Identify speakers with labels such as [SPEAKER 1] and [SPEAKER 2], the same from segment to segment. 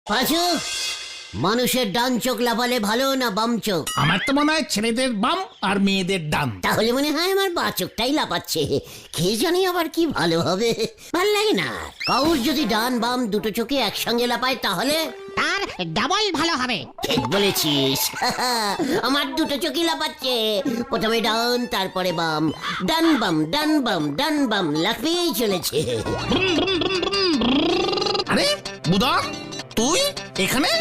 [SPEAKER 1] পাঁচু, মানুষের ডান চোখ লাফালে ভালো না বাম চোখ?
[SPEAKER 2] আমার তো মনে হয় ছেলেদের বাম আর মেয়েদের ডান।
[SPEAKER 1] তাহলে মনে হয় আমার বা চোখটাই লাফাচ্ছে। কে জানি আবার কি ভালো হবে, ভাল লাগে না। কাউর যদি ডান বাম দুটো চোখে একসঙ্গে লাফায় তাহলে
[SPEAKER 3] তার ডাবল ভালো হবে।
[SPEAKER 1] ঠিক বলেছিস। আমার দুটো চোখই লাফাচ্ছে, প্রথমে ডান তারপরে বাম, ডান বাম ডান বাম ডান বাম লাফিয়েই চলেছে।
[SPEAKER 2] আরে বুদা, তুই এখানে?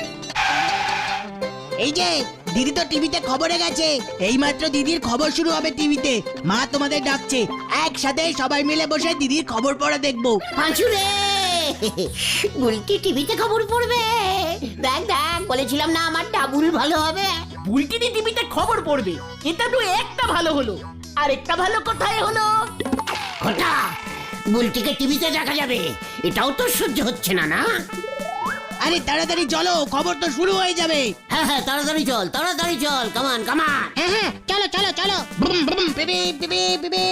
[SPEAKER 4] এই যে দিদি তো টিভিতে খবরে গেছে, এইমাত্র দিদির খবর শুরু হবে টিভিতে। মা তোমাদের ডাকছে, একসাথে সবাই মিলে বসে দিদির খবর পড়া দেখবো।
[SPEAKER 1] পাঁচু রে, বুলটি টিভিতে খবর পড়বে? দেখ দেখ, বলেছিলাম না আমার ডাবুল ভালো হবে।
[SPEAKER 5] বুলটিনি টিভিতে খবর পড়বে, এটা তো একটা ভালো হলো। আর একটা ভালো কোথায় হলো?
[SPEAKER 1] ঘটা, বুলটিকে টিভিতে দেখা যাবে, এটাও তো সহ্য হচ্ছে না। না
[SPEAKER 4] আরে তাড়াতাড়ি চলো, খবর তো শুরু হয়ে যাবে।
[SPEAKER 1] হ্যাঁ হ্যাঁ, তাড়াতাড়ি চল তাড়াতাড়ি চল, কামান কামান।
[SPEAKER 3] হ্যাঁ হ্যাঁ, চলো চলো চলো।
[SPEAKER 4] ব্রুম ব্রুম পিপি পিপি পিপি।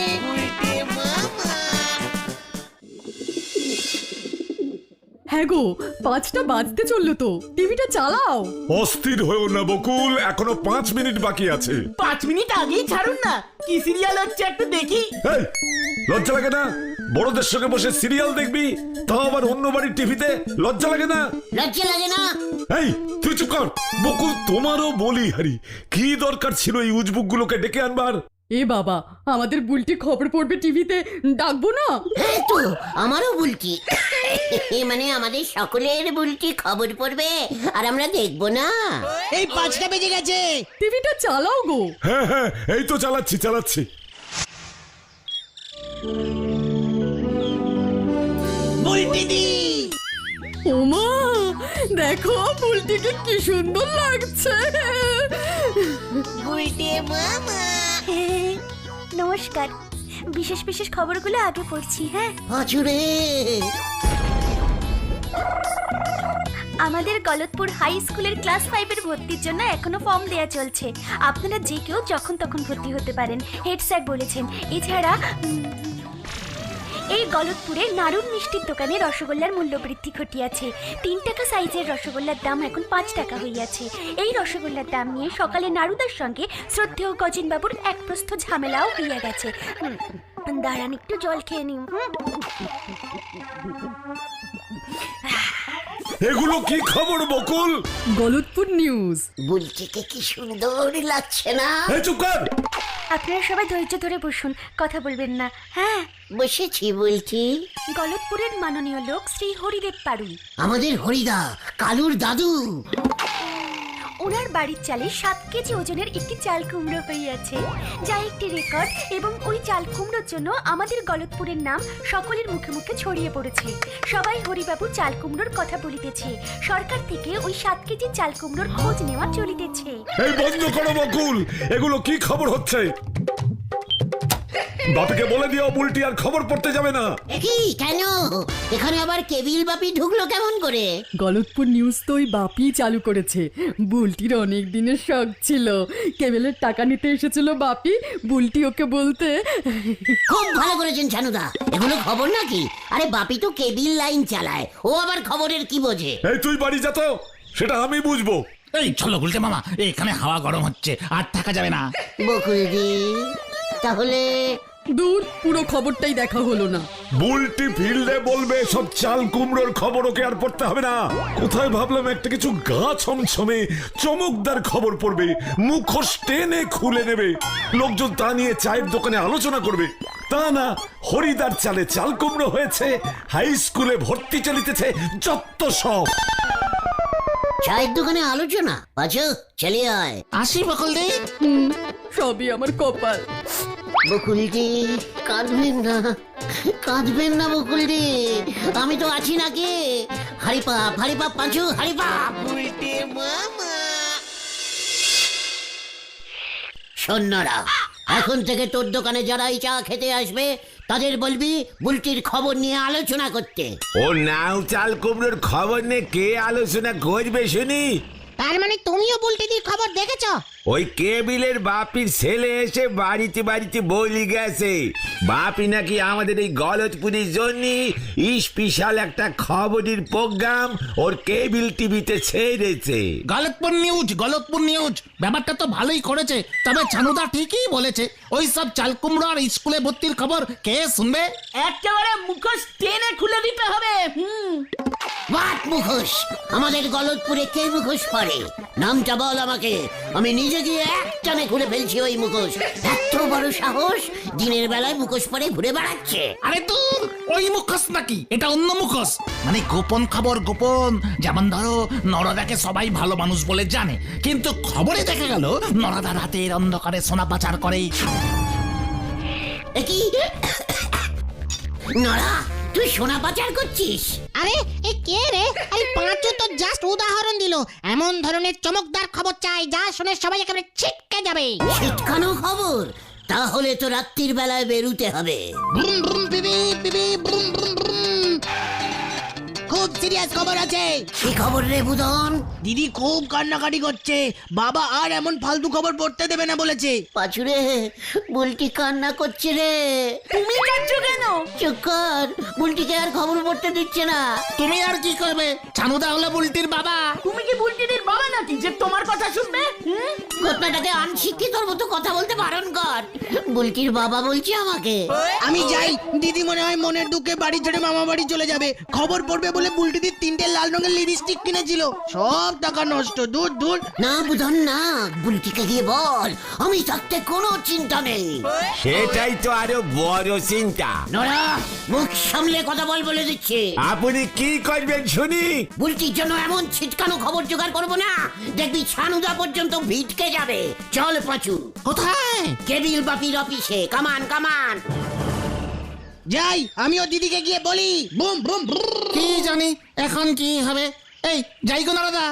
[SPEAKER 6] হ্যাঁ গো, 5টা বাজতে চললো তো, টিভিটা চালাও।
[SPEAKER 7] অস্থির হয়েও না বকুল, এখনো 5 মিনিট বাকি আছে।
[SPEAKER 5] 5 মিনিট আগেই ছাড়ুন না, কি সিরিয়াল হচ্ছে একটু দেখি।
[SPEAKER 7] এই, লজ্জা লাগে না? বড়দের সঙ্গে বসে সিরিয়াল দেখবি, তাও আবার অন্য বাড়ির টিভিতে? লজ্জা লাগে না?
[SPEAKER 1] লজ্জা লাগে না?
[SPEAKER 7] এই তুই চুপ কর। বকুল, তোমারও বলি হারি, কি দরকার ছিল এই উজবুক গুলোকে ডেকে আনবার?
[SPEAKER 6] এ বাবা, আমাদের বুলটি খবর পড়বে টিভিতে, ডাকবো না?
[SPEAKER 1] হ্যাঁ তো, আমারও বুলটি, মানে আমাদের সকলের বুলটি খবর পড়বে আর আমরা দেখবো না?
[SPEAKER 4] এই 5টা বেজে গেছে।
[SPEAKER 6] টিভিটা চালাও গো।
[SPEAKER 7] হ্যাঁ হ্যাঁ, এই তো চালাচ্ছি চালাচ্ছি।
[SPEAKER 4] বুলটিদি,
[SPEAKER 6] ওমা, দেখো বুলটিকে কি সুন্দর লাগছে।
[SPEAKER 8] নমস্কার, বিশেষ বিশেষ খবরগুলো আগে পড়ছি। হ্যাঁ,
[SPEAKER 1] পাঁচু রে,
[SPEAKER 8] আমাদের গলতপুর হাই স্কুলের ক্লাস 5-এর ভর্তির জন্য এখনো ফর্ম দেয়া চলছে। আপনারা যে কেউ যখন তখন ভর্তি হতে পারেন, হেড স্যার বলেছেন। এছাড়া এই গলতপুরে নাড়ুর মিষ্টির দোকানে রসগোল্লার মূল্য বৃদ্ধি ঘটিয়াছে। 3 টাকা সাইজের রসগোল্লার দাম এখন 5 টাকা হইয়াছে। এই রসগোল্লার দাম নিয়ে সকালে নাড়ুদার সঙ্গে শ্রদ্ধেয় গজিনবাবুর এক প্রস্থ ঝামেলাও হইয়া গেছে। দাঁড়ান, একটু জল খেয়ে নিন।
[SPEAKER 7] এগুলো কি খবর বকুল?
[SPEAKER 6] গলতপুর নিউজ।
[SPEAKER 1] বুলটিকে কি সুন্দর লাগছে না?
[SPEAKER 7] এই চুপ কর।
[SPEAKER 8] আপনারা সবাই ধৈর্য ধরে বসুন, কথা বলবেন না। হ্যাঁ,
[SPEAKER 1] বসেছি বলছি।
[SPEAKER 8] গলতপুরের মাননীয় লোক শ্রী হরিদেব পারুই,
[SPEAKER 1] আমাদের হরিদা, কালুর দাদু,
[SPEAKER 8] ওনার বাড়ির চালে 7 কেজি ওজনের একটি চাল কুমড়ো হইয়াছে, যা একটি রেকর্ড। এবং ওই চাল কুমড়োর জন্য আমাদের গলতপুরের নাম সকলের মুখে মুখে ছড়িয়ে পড়েছে। সবাই হরিবাবু চাল কুমড়োর কথা বলিতেছে। সরকার থেকে ওই 7 কেজি চাল কুমড়োর খোঁজ নেওয়া চলিতেছে।
[SPEAKER 7] এই বন্ধ করো বকুল, এগুলো কি খবর হচ্ছে? বাপিকে বলে দিও বুলটি আর খবর পড়তে যাবে না।
[SPEAKER 1] কি কেন? এখানে আবার কেবিল বাপি ঢুকলো কেমন করে?
[SPEAKER 6] গলতপুর নিউজ তো ওই বাপি চালু করেছে। বুলটির অনেক দিনের শখ ছিল, কেবেলের টাকা নিতে এসেছিল বাপি, বুলটি ওকে বলতে।
[SPEAKER 1] খুব ভালো করেছেন ছানুদা, এগুলো খবর নাকি? আরে বাপি তো কেবিল লাইন চালায়, ও আবার খবরের কি বোঝে?
[SPEAKER 7] এই তুই বাড়ি যা তো, সেটা আমি বুঝবো।
[SPEAKER 2] এই চলো গুলটে মামা, এখানে হাওয়া গরম হচ্ছে, আর থাকা যাবে না।
[SPEAKER 1] বকুলদি, তাহলে
[SPEAKER 6] দূর, পুরো খবরটাই দেখা হলো না।
[SPEAKER 7] বুলটি ফিল্ডে বলবে সব চাল কুমড়োর খবর ওকে আর পড়তে হবে না। কোথায় ভাবলাম একটা কিছু গা ছমছমে চমকদার খবর পড়বে, মুখোশ টেনে খুলে নেবে, লোকজন তা নিয়ে চায়ের দোকানে আলোচনা করবে। তা না, হরিদার চালে চাল কুমড়ো হয়েছে, হাই স্কুলে ভর্তি চলিতেছে, যত সব।
[SPEAKER 1] চায়ের দোকানে আলোচনা? পাঁচু, চলে আয়।
[SPEAKER 2] আসি বকুল দি।
[SPEAKER 6] সবই আমার কপাল।
[SPEAKER 1] বকুলদি, কাঁদবেন না, কাঁদবেন না বকুলদি, আমি তো আছি নাকি? হারিপাপ হারিপাপ পাঁচু, হারিপাপ। সৈন্যরা, এখন থেকে তোর দোকানে যারাই চা খেতে আসবে তাদের বলবি বুলটির খবর নিয়ে আলোচনা করতে।
[SPEAKER 9] ও নাও চাল কুমড়োর খবর নিয়ে কে আলোচনা করবে শুনি?
[SPEAKER 3] তার মানে তুমিও বুলটিদির খবর দেখেছো?
[SPEAKER 9] ওই কেবিলের বাপির ছেলে এসে বাড়িতে বাড়িতে বলি গেছে বাপি নাকি আমাদের এই গলতপুরের জন্য স্পেশাল একটা খবরের প্রোগ্রাম ওর কেবিল টিভিতে ছেড়েছে।
[SPEAKER 2] গলতপুর নিউজ ব্যাপারটা তো ভালোই করেছে, তবে ছানুদা ঠিকই বলেছে, ওই সব চালকুমড়ো আর স্কুলে ভর্তির খবর কে শুনবে?
[SPEAKER 5] একেবারে মুখোশ টেনে খুলে দিতে হবে।
[SPEAKER 1] বাট মুখোশ, আমাদের গলতপুরে কে মুখোশ পরে? নামটা বল আমাকে, আমি নিজে গিয়ে একটানে খুলে ফেলছি ওই মুখোশ। এত বড় সাহস, দিনের বেলায় মুখোশ পরে ঘুরে বেড়াচ্ছে।
[SPEAKER 2] আরে তুই ওই মুখোশ নাকি, এটা অন্য মুখোশ, মানে গোপন খবর গোপন। যেমন ধরো নরদাকে সবাই ভালো মানুষ বলে জানে, কিন্তু খবরে দেখা গেল নরদা রাতের অন্ধকারে সোনা পাচার করে।
[SPEAKER 1] কি নড়া, তুই সোনা পাচার করছিস?
[SPEAKER 3] আরে এ কে রে? আরে পাঁচু তো জাস্ট উদাহরণ দিল। এমন ধরনের চমকদার খবর চাই যা শুনে সবাই একেবারে ছিটকে যাবে।
[SPEAKER 1] ছিটকানো খবর? তাহলে তো রাত্রির বেলায় বেরুতে হবে।
[SPEAKER 4] ব্রুম ব্রুম বিবি বিবি ব্রুম ব্রুম ব্রুম। খুব সিরিয়াস খবর আছে।
[SPEAKER 1] কি খবর রে বুদন?
[SPEAKER 4] দিদি খুব কান্নাকাটি করছে, বাবা আর এমন ফালতু খবর পড়তে দেবে না বলেছে।
[SPEAKER 1] পাচুরে, বুলটি কান্না করছে রে।
[SPEAKER 5] তুমি কাঁদছো কেন?
[SPEAKER 1] চুপ কর, বুলটিকে আর খবর পড়তে দিচ্ছে না।
[SPEAKER 2] তুমি আর কি করবে? ছানুদা হলো বুলটির বাবা।
[SPEAKER 5] তুমি কি বুলটিদির বাবা নাকি যে তোমার কথা শুনবে?
[SPEAKER 1] ঘটনাটাকে আনশিক্ষিতর মতো কথা বলতে বারণ কর। বুলটির বাবা বলছে আমাকে।
[SPEAKER 4] আমি যাই, দিদি মনে হয় মনের দুঃখে বাড়ি ছেড়ে মামা বাড়ি চলে যাবে। খবর পড়বে বলে বুলটিদির 3টে লাল রঙের লিপস্টিক কিনেছিল, সব টাকা নষ্ট। দূর দূর।
[SPEAKER 1] না বুধন না, বুলটিকে গিয়ে বল আমি থাকতে কোনো চিন্তা নেই।
[SPEAKER 9] সেটাই তো আরো বড় চিন্তা।
[SPEAKER 1] নড়া, মুখ সামলে কথা বল বলে দিচ্ছে।
[SPEAKER 9] আপনি কি করবেন শুনি?
[SPEAKER 1] বুলটির জন্য এমন ছিটকানো খবর জোগাড় করবো না, দেখবি ছানুদা পর্যন্ত ভিটকে যাবে। চল পাচু।
[SPEAKER 2] কোথায়?
[SPEAKER 1] কেবিল বাপির অফিসে। কামান কামান।
[SPEAKER 4] যাই, আমিও দিদিকে গিয়ে বলি। বুম বুম ব্রুম।
[SPEAKER 2] কি জানি এখন কি হবে। এই যাই গো নরদা।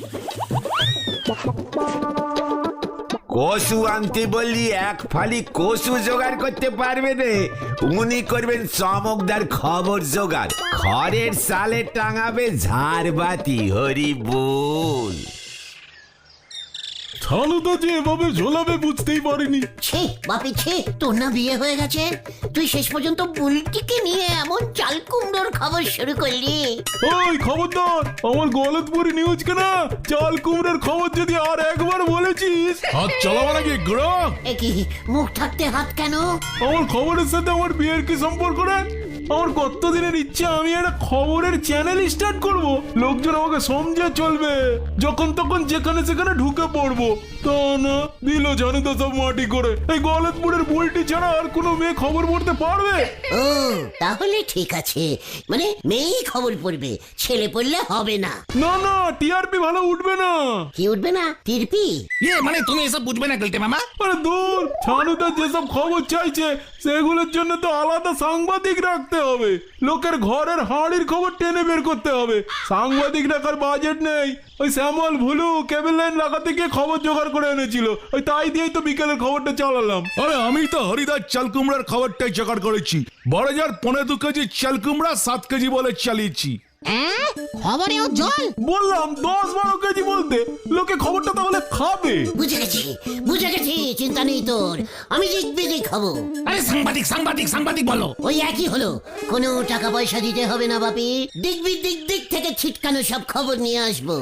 [SPEAKER 9] কসু আনতে বললি এক ফালি কসু জোগাড় করতে পারবে না, উনি করবেন চমকদার খবর জোগাড়। খড়ের সালে টাঙাবে ঝাড়বাতি। হরি বল।
[SPEAKER 7] ছানুদা যে এভাবে ঝোলাবে বুঝতেই পারিনি।
[SPEAKER 1] ছে বাপি ছে, তোর না বিয়ে হয়ে গেছে, তুই শেষ পর্যন্ত বুলটিকে নিয়ে এমন চাল কুমড়োর খবর শুরু করলি।
[SPEAKER 7] ওই খবরদার, আমার গলতপুরি নিউজকে না চাল কুমড়োর খবর যদি আর একবার বলেছিস হাত চালাবো নাকি গ্রহ।
[SPEAKER 1] কি মুখ থাকতে হাত কেন?
[SPEAKER 7] আমার খবরের সাথে আমার বিয়ের কি সম্পর্ক রে? আমার কতদিনের ইচ্ছা আমি একটা খবরের চ্যানেল স্টার্ট করব, লোকজন আমাকে সমঝে চলবে, যখন তখন যেখানে সেখানে ঢুকে পড়বো। তা না, দিল জানে তো সব মাটি করে। এই গলতপুরের বুলটি ছাড়া আর কোনো মেয়ে খবর পড়তে পারবে?
[SPEAKER 1] ও তাহলে ঠিক আছে, মানে মেয়েই খবর পড়বে, ছেলে পড়লে হবে না।
[SPEAKER 7] না না, টিআরপি ভালো উঠবে না।
[SPEAKER 1] কি উঠবে না? টিরপি?
[SPEAKER 2] মানে তুমি এসব বুঝবে না গেলতে মামা।
[SPEAKER 7] আরে দূর, ছানুদা যেসব খবর চাইছে সেগুলোর জন্য তো আলাদা সাংবাদিক রাখতে হবে। লোকের ঘরের হাড়ির খবর টেনে বের করতে হবে। সাংবাদিক রাখার বাজেট নেই। ওই শ্যামল ভুলু কেবল লাইন লাগাতে গিয়ে খবর জোগাড় করে এনেছিল, ওই তাই দিয়েই তো বিকেলের খবরটা চালালাম। আরে আমি তো হরিদাস চাল কুমড়ার খবরটাই জোগাড় করেছি। 12.15 কেজি চাল কুমড়া 7 কেজি বলে চালিয়েছি।
[SPEAKER 3] খবরেও জল?
[SPEAKER 7] বললাম 10-12 কেজি বলতে, লোকে খবরটা তাহলে খাবে।
[SPEAKER 1] বুঝে গেছি, চিন্তা নেই তোর, আমি দিক খাবো।
[SPEAKER 2] আরে সাংবাদিক বলো।
[SPEAKER 1] ওই একই হলো, কোনো টাকা পয়সা দিতে হবে না বাপি, দিক থেকে ছিটকানো সব খবর নিয়ে আসবো।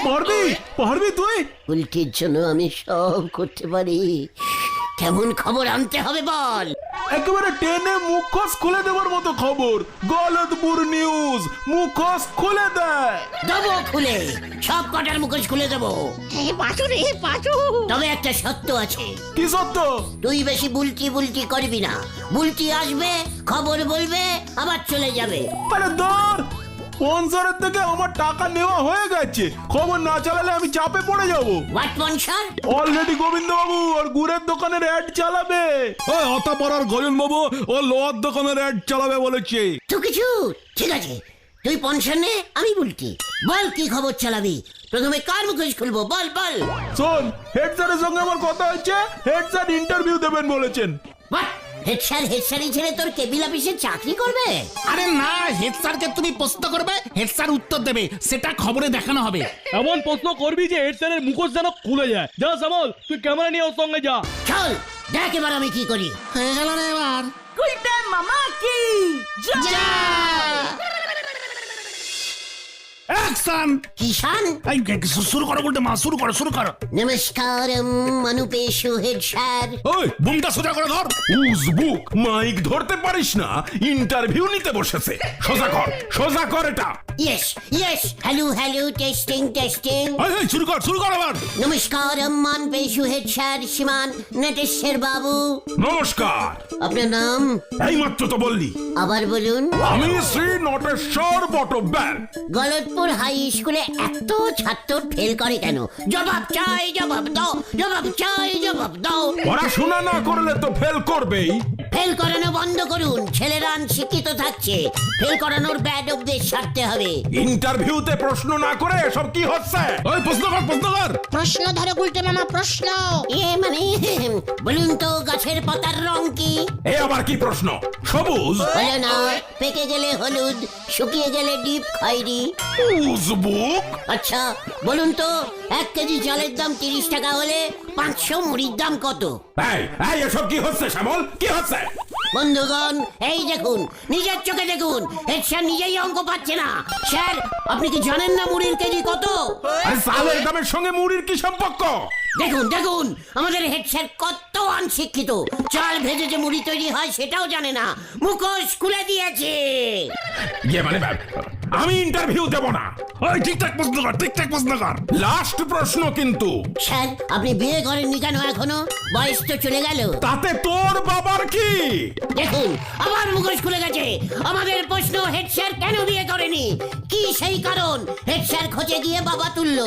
[SPEAKER 7] পারবি তুই?
[SPEAKER 1] উল্টির জন্য আমি সব করতে পারি। কেমন খবর আনতে হবে বল?
[SPEAKER 7] একেবারে টেনে মুখোশ খুলে দেওয়ার মতো খবর। গলতপুর নিউজ মুখোশ খুলে দেয়।
[SPEAKER 1] দেবো খুলে, সব কটার মুখোশ খুলে দেবো।
[SPEAKER 3] পাঁচু রে পাঁচু।
[SPEAKER 1] তবে একটা সত্য আছে।
[SPEAKER 7] কি সত্য?
[SPEAKER 1] তুই বেশি বুলটি করবি না। বুলটি আসবে, খবর বলবে, আবার চলে যাবে।
[SPEAKER 7] আরে দূর, স্পন্সরের থেকে আমার টাকা নেওয়া হয়ে গেছে, খবর না চালালে আমি চাপে পড়ে যাব।
[SPEAKER 1] What sponsor?
[SPEAKER 7] অলরেডি গোবিন্দ বাবু আর গুড়ের দোকানের অ্যাড চালাবে। ওই হতাপাড়ার গজন বাবু ও লোহার দোকানের অ্যাড চালাবে বলেছে।
[SPEAKER 1] তো কিছু ঠিক আছে, তুই স্পন্সর নে, আমি বুলটি। বল কি খবর চালাবি? প্রথমে কার মুখোশ খুলবো বল?
[SPEAKER 7] শোন, হেড স্যারের সঙ্গে আমার কথা হচ্ছে, হেড স্যার ইন্টারভিউ দেবেন বলেছেন।
[SPEAKER 1] হোয়াট? হেড স্যারই ছেড়ে তোর কেবিল অফিসে চাকরি করবে?
[SPEAKER 2] আরে না, হেড স্যারকে তুমি প্রশ্ন করবে, হেড স্যার উত্তর দেবে, সেটা খবরে দেখানো হবে।
[SPEAKER 10] এমন প্রশ্ন করবি যে হেড স্যারের মুখোশ যেন খুলে যায়। যা শ্যামল, তুই ক্যামেরা নিয়ে ওর সঙ্গে যা।
[SPEAKER 1] চল দেখ এবার আমি কি করি।
[SPEAKER 2] হয়ে গেল রে এবার।
[SPEAKER 5] গুলটে মামা কি যা।
[SPEAKER 2] অ্যাকশন!
[SPEAKER 1] কিষান
[SPEAKER 2] এই শুরু করো বলতে মা, শুরু করো।
[SPEAKER 1] নমস্কারম অনুপেশু হেড স্যার।
[SPEAKER 2] ওই বুমটা সোজা করে ধর।
[SPEAKER 7] উজবুক মাইক ধরতে পারিস না, ইন্টারভিউ নিতে বসেছে। সোজা কর এটা।
[SPEAKER 1] Yes hello testing.
[SPEAKER 2] এই শুরু কর আবার।
[SPEAKER 1] নমস্কারম অনুপেশু হেড স্যার শ্রীমান নটেশ্বর বাবু।
[SPEAKER 7] নমস্কার।
[SPEAKER 1] আপনার নাম?
[SPEAKER 7] এইমাত্র তো বললি।
[SPEAKER 1] আবার বলুন।
[SPEAKER 7] আমি শ্রী নটেশ্বর বটব্যাল।
[SPEAKER 1] গলতপুর হাই স্কুলে এত ছাত্র ফেল করে কেন? জবাব চাই, জবাব দাও।
[SPEAKER 7] পড়াশোনা না করলে তো ফেল করবেই।
[SPEAKER 1] ফেল করানো বন্ধ করুন, ছেলেরা শিক্ষিত থাকছে। ফেল করানোর ব্যাড অভ্যেস ছাড়তে হবে।
[SPEAKER 7] ইন্টারভিউতে প্রশ্ন না করে এসব কি হচ্ছে?
[SPEAKER 2] ওই প্রশ্ন কর।
[SPEAKER 3] প্রশ্ন ধরো গুলটে মামা, প্রশ্ন।
[SPEAKER 1] মানে বলুন তো গাছের পাতার রং কি?
[SPEAKER 7] এ আবার কি প্রশ্ন? সবুজ।
[SPEAKER 1] হলো না, পেকে গেলে হলুদ, শুকিয়ে গেলে ডিপ খয়েরি।
[SPEAKER 7] উজবুক।
[SPEAKER 1] আচ্ছা বলুন তো 1 কেজি চালের দাম 30 টাকা হলে 500 মুড়ির দাম কত?
[SPEAKER 7] এই এসব কি হচ্ছে শ্যামল? কি হচ্ছে?
[SPEAKER 1] বন্ধুগণ এই দেখুন, নিজের চোখে দেখুন, হেড স্যার নিজেই অঙ্ক পাচ্ছে না। স্যার আপনি কি জানেন না মুড়ির কেজি কত?
[SPEAKER 7] আরে চালের দামের সঙ্গে মুড়ির কি সম্পর্ক?
[SPEAKER 1] দেখুন আমাদের হেড স্যার কত অনশিক্ষিত। চাল ভেজে যে মুড়ি তৈরি হয় সেটাও জানে না, মুখোশ খুলে দিয়েছে।
[SPEAKER 7] মানে আমি ইন্টারভিউ দেব না।
[SPEAKER 2] ওই ঠিকঠাক প্রশ্ন কর।
[SPEAKER 7] লাস্ট প্রশ্ন কিন্তু।
[SPEAKER 1] স্যার আপনি বিয়ে করেননি কেন এখনো? বয়স তো চলে গেল।
[SPEAKER 7] তাতে তোর বাবার কি?
[SPEAKER 1] দেখুন আবার মুখোশ খুলে গেছে। আমাদের প্রশ্ন, হেড স্যার কেন বিয়ে করেনি? কি সেই কারণ? হেড স্যার খোঁজে গিয়ে বাবা তুললো।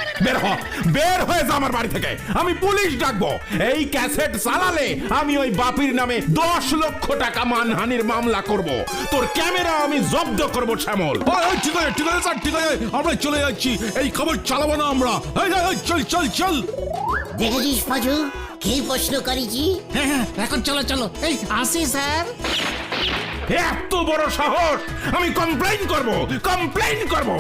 [SPEAKER 7] বের হয়ে যা আমার বাড়ি থেকে, আমি পুলিশ ডাকবো। এই ক্যাসেট চালালে আমি ওই বাপির নামে 10 লক্ষ টাকা মানহানির মামলা করব। তোর ক্যামেরা আমি জব্দ করব শ্যামল।
[SPEAKER 2] ঠিক আছে স্যার, ঠিক আছে, আমরা চলে যাচ্ছি। এই খবর চালাবো না আমরা। চল।
[SPEAKER 1] দেখেছিস পাজু কি প্রশ্ন করেছি?
[SPEAKER 2] হ্যাঁ, এখন চলো। এই আসি স্যার।
[SPEAKER 7] এত বড় সাহস! আমি কমপ্লেইন করব।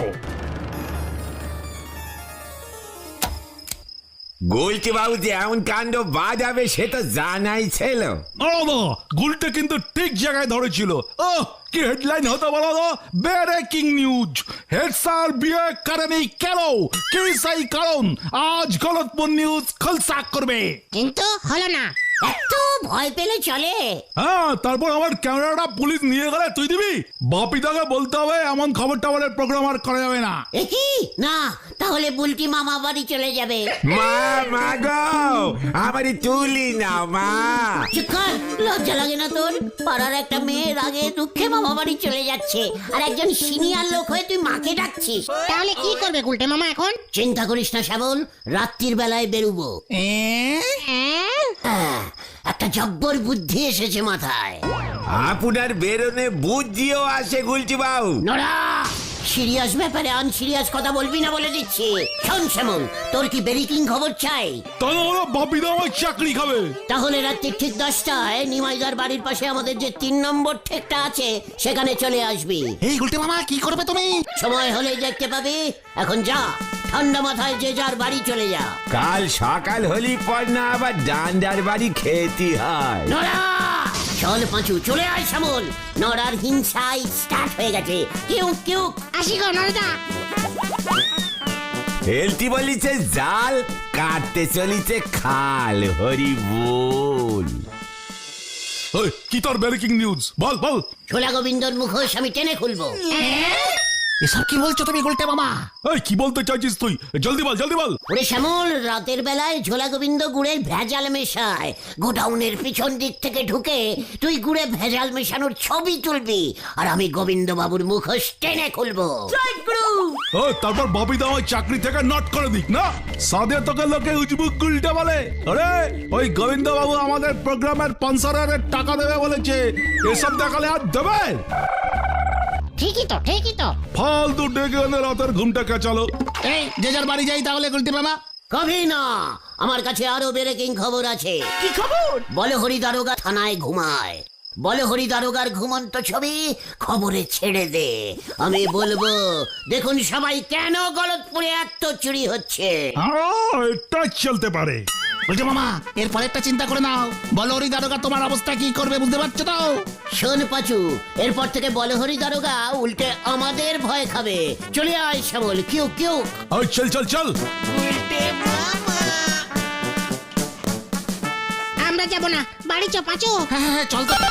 [SPEAKER 9] গোলটি বাবু যে এমন কাণ্ড বাজাবে সে তো জানাই ছিল।
[SPEAKER 2] গুলটা কিন্তু ঠিক জায়গায় ধরেছিল। কি হেডলাইন হতে বলো তো? ব্রেকিং নিউজ, হেড স্যার বিয়ে করেনি কেন? কি সেই কারণ? আজ গলতপুর নিউজ খলসা করবে।
[SPEAKER 3] কিন্তু হলো না।
[SPEAKER 1] এত ভয় পেলে চলে?
[SPEAKER 2] হ্যাঁ, তারপর আমার ক্যামেরাটা পুলিশ নিয়ে গেলে তুই দিবি? বাপিদাকে বলতে হবে এমন খবর টাবরের প্রোগ্রাম আর করা যাবে না।
[SPEAKER 1] কি না, তাহলে বুলটি মামা বাড়ি চলে যাবে।
[SPEAKER 9] মা গো, আমারই তুলি না মা।
[SPEAKER 1] চুপ কর, লজ্জা লাগে না তোর? পাড়ার একটা মেয়ের আগে দুঃখে মামা বাড়ি চলে যাচ্ছে, আর একজন সিনিয়র লোক হয়ে তুই মাকে ডাকছিস।
[SPEAKER 3] তাহলে কি করবে গুলটে মামা এখন?
[SPEAKER 1] চিন্তা করিস না শ্যামল, রাত্রির বেলায় বেরুবো। হ্যাঁ, একটা জব্বর বুদ্ধি এসেছে মাথায়।
[SPEAKER 9] আপনার বেরোনে বুদ্ধিও আসে গুলটি বাবু।
[SPEAKER 1] নোরা, সিরিয়াস ব্যাপারে আনসিরিয়াস কথা বলবি না বলে দিচ্ছি। শোন শ্যামল, তোর কি ব্রেকিং খবর চাই?
[SPEAKER 2] তাহলে বাপিদা আমার চাকরি খাবে।
[SPEAKER 1] তাহলে রাত্রি ঠিক 10টায় নিমাইদার বাড়ির পাশে আমাদের যে 3 নম্বর ঠেকটা আছে সেখানে চলে আসবি।
[SPEAKER 2] এই গুলটে মামা কি করবে তুমি?
[SPEAKER 1] সময় হলে দেখতে পাবি। এখন যা, ঠান্ডা মাথায় যে যার বাড়ি চলে যা।
[SPEAKER 9] কাল সকাল হলি পর না আবার ডান্ডার বাড়ি খেতে হয়।
[SPEAKER 1] নোরা, চল পাঁচু, চলে আয় শ্যামল। নড়ার হিংসায় স্টার্ট হয়ে গেছে। কিউ
[SPEAKER 3] আসি গো নরদা।
[SPEAKER 9] হেলতি বলিছে জাল, কাটতে চলিছে খাল। হরি বল।
[SPEAKER 2] কি তোর ব্রেকিং নিউজ? বল।
[SPEAKER 1] ছোলা গোবিন্দর মুখোশ আমি টেনে খুলবো।
[SPEAKER 2] এসব কি বলছো তুমি গুলটে মামা? কি বলতে চাইছিস তুই? জলদি বল।
[SPEAKER 1] ওরে শ্যামল, রাতের বেলায় ঝোলা গোবিন্দ গুড়ের ভেজাল মেশায়। গোডাউনের পিছন দিক থেকে ঢুকে তুই গুড়ে ভেজাল মেশানোর ছবি তুলবি, আর আমি গোবিন্দ বাবুর মুখোশ টেনে খুলবো।
[SPEAKER 2] তারপর বাপিদা আমার চাকরি থেকে নট করে দিক না? সাদে তোকে লোকে উজবুক গুলটে বলে। আরে ওই গোবিন্দ বাবু আমাদের প্রোগ্রামের স্পন্সরের টাকা দেবে বলেছে, এসব দেখালে আর দেবে?
[SPEAKER 3] ঠিকই তো।
[SPEAKER 2] ফালতু ডেকে এনে রাতের ঘুমটা কেচালো। এই যে যার বাড়ি যাই তাহলে গুলটে মামা।
[SPEAKER 1] কবি না, আমার কাছে আরো ব্রেকিং খবর আছে।
[SPEAKER 5] কি খবর?
[SPEAKER 1] বলে হরি দারোগা থানায় ঘুমায়। বলে হরি দারোগার ঘুমন্ত ছবি খবরে ছেড়ে দে। আমি বলবো, দেখুন সবাই কেন গলতপুরে এত চুরি হচ্ছে।
[SPEAKER 7] এটা চলতে পারে।
[SPEAKER 2] বলছে মামা এর পরেরটা চিন্তা করে নাও। বলো হরি দারোগা তোমার অবস্থা কি করবে বুঝতে পারছো তো?
[SPEAKER 1] শোন পাচু, এরপর থেকে বলে হরি দারোগা উল্টে আমাদের ভয় খাবে। চলে আয় শ্যামল, কেউ কেউ।
[SPEAKER 7] চল চল চল।
[SPEAKER 3] আমরা যাব না, বাড়ি চ পাঁচু।
[SPEAKER 2] হ্যাঁ হ্যাঁ চল তো।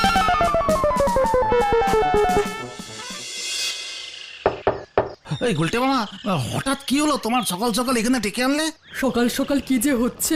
[SPEAKER 2] এই গুলটে মামা, হঠাৎ কি হলো তোমার সকাল সকাল এখানে ডেকে আনলে?
[SPEAKER 6] সকাল সকাল কি যে হচ্ছে।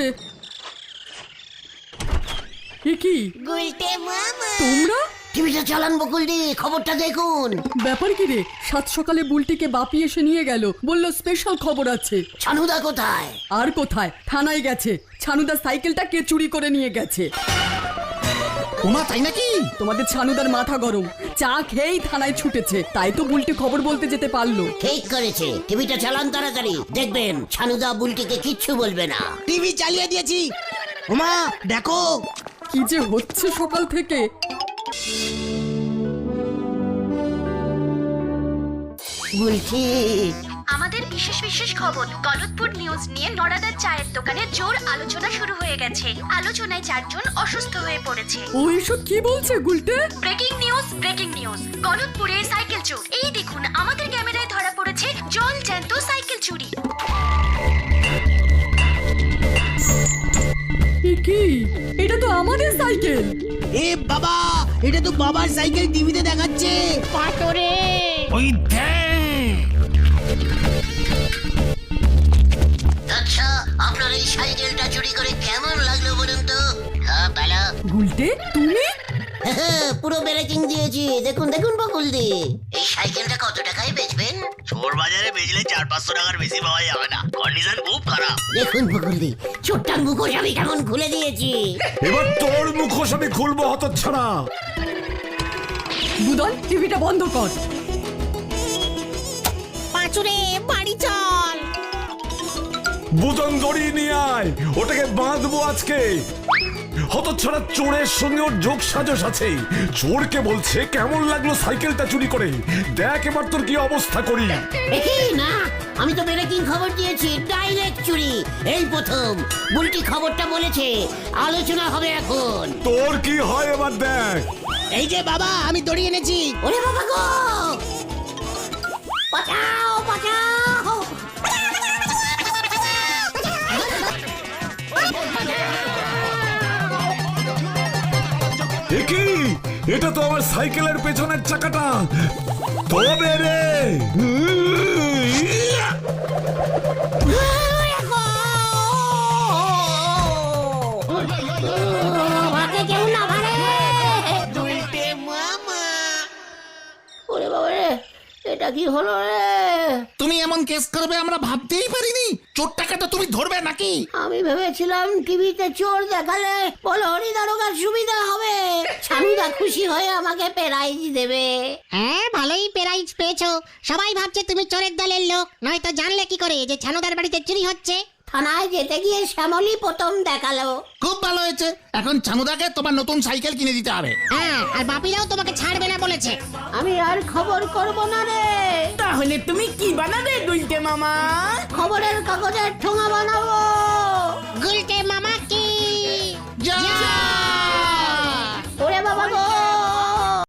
[SPEAKER 6] এ কি তোমরা?
[SPEAKER 1] টিভিটা চালান বকুল দি, খবরটা দেখুন।
[SPEAKER 6] ব্যাপার কি রে? সাত সকালে বুলটিকে বাপি এসে নিয়ে গেল, বলল স্পেশাল খবর আছে।
[SPEAKER 1] ছানুদা কোথায়?
[SPEAKER 6] আর কোথায়, থানায় গেছে। ছানুদার সাইকেলটা কে চুরি করে নিয়ে গেছে।
[SPEAKER 2] ওমা তাই নাকি?
[SPEAKER 6] তোমাদের ছানুদার মাথা গরম, চা খেয়েই থানায় ছুটেছে, তাই তো বুলটি খবর বলতে যেতে পারলো।
[SPEAKER 1] ঠিক করেছে, টিভিটা চালান তাড়াতাড়ি, দেখবেন ছানুদা বুলটিকে কিচ্ছু বলবে না।
[SPEAKER 4] টিভি চালিয়ে দিয়েছি। ওমা দেখো,
[SPEAKER 6] কি যে হচ্ছে সকাল থেকে।
[SPEAKER 1] বুলটি,
[SPEAKER 8] আমাদের বিশেষ বিশেষ খবর, গলতপুর নিউজ নিয়ে নড়াদার চায়ের দোকানে জোর আলোচনা শুরু হয়ে গেছে। আলোচনায় 4 জন অসুস্থ হয়ে পড়েছে।
[SPEAKER 6] ও এসব কি বলছে গুলটে?
[SPEAKER 8] Breaking news, breaking news. গলতপুরের সাইকেল চোর। এই দেখুন, আমাদের ক্যামেরায় ধরা পড়েছে জল জ্যান্ত সাইকেল চুরি।
[SPEAKER 6] এ কি? এটা তো আমাদের সাইকেল।
[SPEAKER 4] এ বাবা, এটা তো বাবার সাইকেল টিভিতে দেখাচ্ছে।
[SPEAKER 3] পাটরে
[SPEAKER 2] ওই দেখ।
[SPEAKER 1] আচ্ছা, আপনার এই সাইকেলটা চুরি করে কেমন লাগলো বলুন তো? হ্যাঁ ভালো।
[SPEAKER 6] গুলটে তুমি?
[SPEAKER 1] পুরো ব্রেকিং দিয়েছি, দেখুন দেখুন বকুল দি। এই সাইকেলটা কত টাকায় বেচবেন?
[SPEAKER 4] চোর বাজারে বেচলে 400-500 টাকার বেশি পাওয়া যাবে না, কন্ডিশন খুব খারাপ।
[SPEAKER 1] দেখুন বকুল দি, চোরটার মুখোশ আমি কেমন খুলে দিয়েছি।
[SPEAKER 7] এবার তোর মুখোশ আমি খুলবো হতচ্ছাড়া।
[SPEAKER 6] বুদন, টিভিটা বন্ধ কর।
[SPEAKER 3] পাঁচুরে বাড়ি চল।
[SPEAKER 7] বুদন দড়ি নিয়ে আয়, ওটাকে বাঁধবো আজকে। হতচ্ছাড়া চোরের সঙ্গে ওর যোগ সাজস আছে। চোরকে বলছে কেমন লাগলো সাইকেলটা চুরি করে, দেখ এবার তোর কি অবস্থা করি।
[SPEAKER 1] এই না, আমি তো ব্রেকিং খবর দিয়েছি, ডাইরেক্ট চুরি। এই প্রথম বুলটি খবরটা বলেছে, আলোচনা হবে এখন।
[SPEAKER 7] তোর কি হয় এবার দেখ।
[SPEAKER 4] এই যে বাবা, আমি দড়ি এনেছি।
[SPEAKER 1] ওরে বাবা গো, বাঁচাও বাঁচাও।
[SPEAKER 7] এ কি? এটা তো আমার সাইকেলের পেছনের চাকাটা। তবে রে
[SPEAKER 1] আমাকে কেউ না মারে। ওরে বাবা রে, এটা কি হলো রে?
[SPEAKER 2] তুমি এমন কেস করবে আমরা ভাবতেই পারিনি। চোরটাকে তো তুমি ধরবে নাকি?
[SPEAKER 1] আমি ভেবেছিলাম টিভিতে চোর দেখালে বলো হরি দারোগার সুবিধা হবে, ছানুদা খুশি হয়ে আমাকে প্রাইজ দেবে।
[SPEAKER 3] হ্যাঁ, ভালোই প্রাইজ পেয়েছো। সবাই ভাবছে তুমি চোরের দলের লোক, নয়তো জানলে কি করে যে ছানুদার বাড়িতে চুরি হচ্ছে।
[SPEAKER 1] থানায় যেতে গিয়ে শ্যামলী প্রথম দেখালো।
[SPEAKER 2] খুব ভালো হয়েছে, এখন ছানুদাকে তোমার নতুন সাইকেল কিনে দিতে হবে।
[SPEAKER 3] হ্যাঁ, আর বাপিরাও তোমাকে ছাড়বে না বলেছে।
[SPEAKER 1] আমি আর খবর করব না রে।
[SPEAKER 5] তাহলে তুমি কি বানাবে গুলটে মামা?
[SPEAKER 1] খবরের কাগজের ঠোঙা বানাবো।
[SPEAKER 3] গুলটে মামা